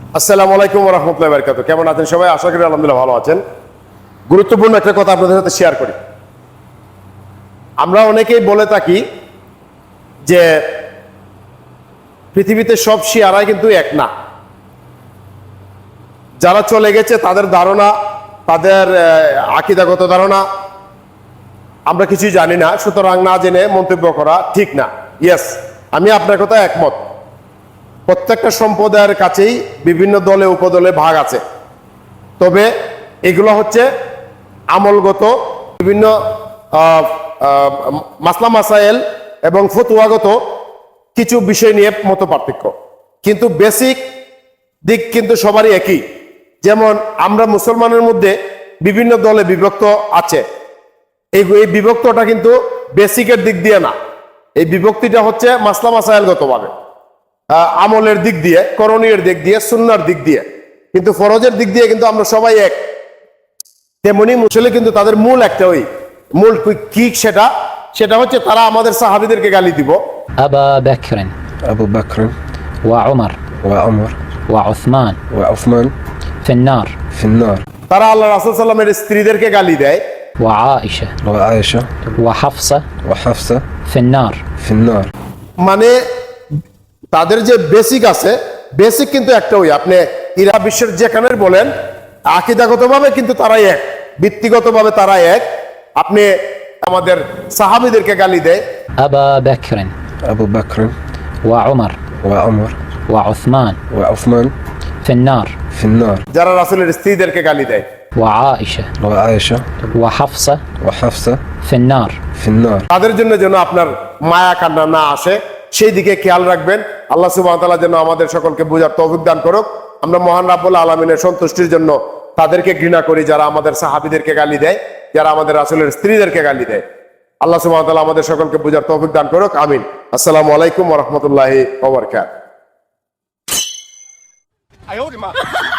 আসসালামু আলাইকুম ওয়া রাহমাতুল্লাহি ওয়া বারাকাতুহু। কেমন আছেন সবাই? আশা করি আলহামদুলিল্লাহ ভালো আছেন। গুরুত্বপূর্ণ একটা কথা আপনাদের সাথে শেয়ার করি। আমরা অনেকেই বলে থাকি যে পৃথিবীতে সব শিয়ারাই কিন্তু এক না। যারা চলে গেছে তাদের ধারণা, তাদের আকীদাগত ধারণা আমরা কিছুই জানি না, সুতরাং না জেনে মন্তব্য করা ঠিক না। ইয়েস, আমি আপনার কথা একমত। প্রত্যেকটা সম্প্রদায়ের কাছেই বিভিন্ন দলে উপদলে ভাগ আছে, তবে এগুলো হচ্ছে আমলগত বিভিন্ন মাসলা মাসাইল এবং ফতুয়াগত কিছু বিষয় নিয়ে মত পার্থক্য, কিন্তু বেসিক দিক কিন্তু সবারই একই। যেমন আমরা মুসলমানের মধ্যে বিভিন্ন দলে বিভক্ত আছে, এই বিভক্তটা কিন্তু বেসিকের দিক দিয়ে না, এই বিভক্তিটা হচ্ছে মাসলা মাসাইলগত ভাবে, আমলের দিক দিয়ে, করণীয় দিক দিয়ে, সুন্নার দিক দিয়ে, কিন্তু ফরজের দিক দিয়ে কিন্তু আমরা সবাই এক। তেমনি মুসলিম কিন্তু তাদের মূল একটা, ওই মূল কি সেটা হচ্ছে তারা আমাদের সাহাবীদেরকে গালি দিব। আবু বকর ওয়া উমর ওয়া উসমান ফিন্নার। তারা আল্লাহ রাসূল সাল্লাল্লাহু আলাইহি স্ত্রীদেরকে গালি দেয়। ওয়া আয়েশা ওয়া হাফসা ফিন্নার। মানে তাদের যে বেসিক আছে, বেসিক কিন্তু একটা, ওই আপনি ইরা বিশ্বের যেখানে বলেন আকীদাগতভাবে কিন্তু তারাই এক, ভিত্তিগতভাবে তারা এক। আপনি আমাদের সাহাবীদেরকে গালি দেয়। আবু বকর ওয়া উমর ওয়া উসমান ফিন্নার। যারা রাসূলের স্ত্রীদেরকে গালি দেয়। ওয়া আয়েশা ওয়া হাফসা ফিন্নার। তাদের জন্য যেন আপনার মায়া কান্না না আসে, সেই দিকে খেয়াল রাখবেন। আল্লাহ সুবহানাহু ওয়া তাআলা যেন আমাদের সকলকে বোঝার তৌফিক দান করুক। আমরা মহান রাব্বুল আলামিনের সন্তুষ্টির জন্য তাদেরকে ঘৃণা করি যারা আমাদের সাহাবীদেরকে গালি দেয়, যারা আমাদের রাসূলের স্ত্রীদেরকে গালি দেয়। আল্লাহ সুবহানাহু ওয়া তাআলা আমাদের সকলকে বোঝার তৌফিক দান করুক, আমিন। আসসালামু আলাইকুম ওয়া রাহমাতুল্লাহি ওয়া বারাকাতুহু।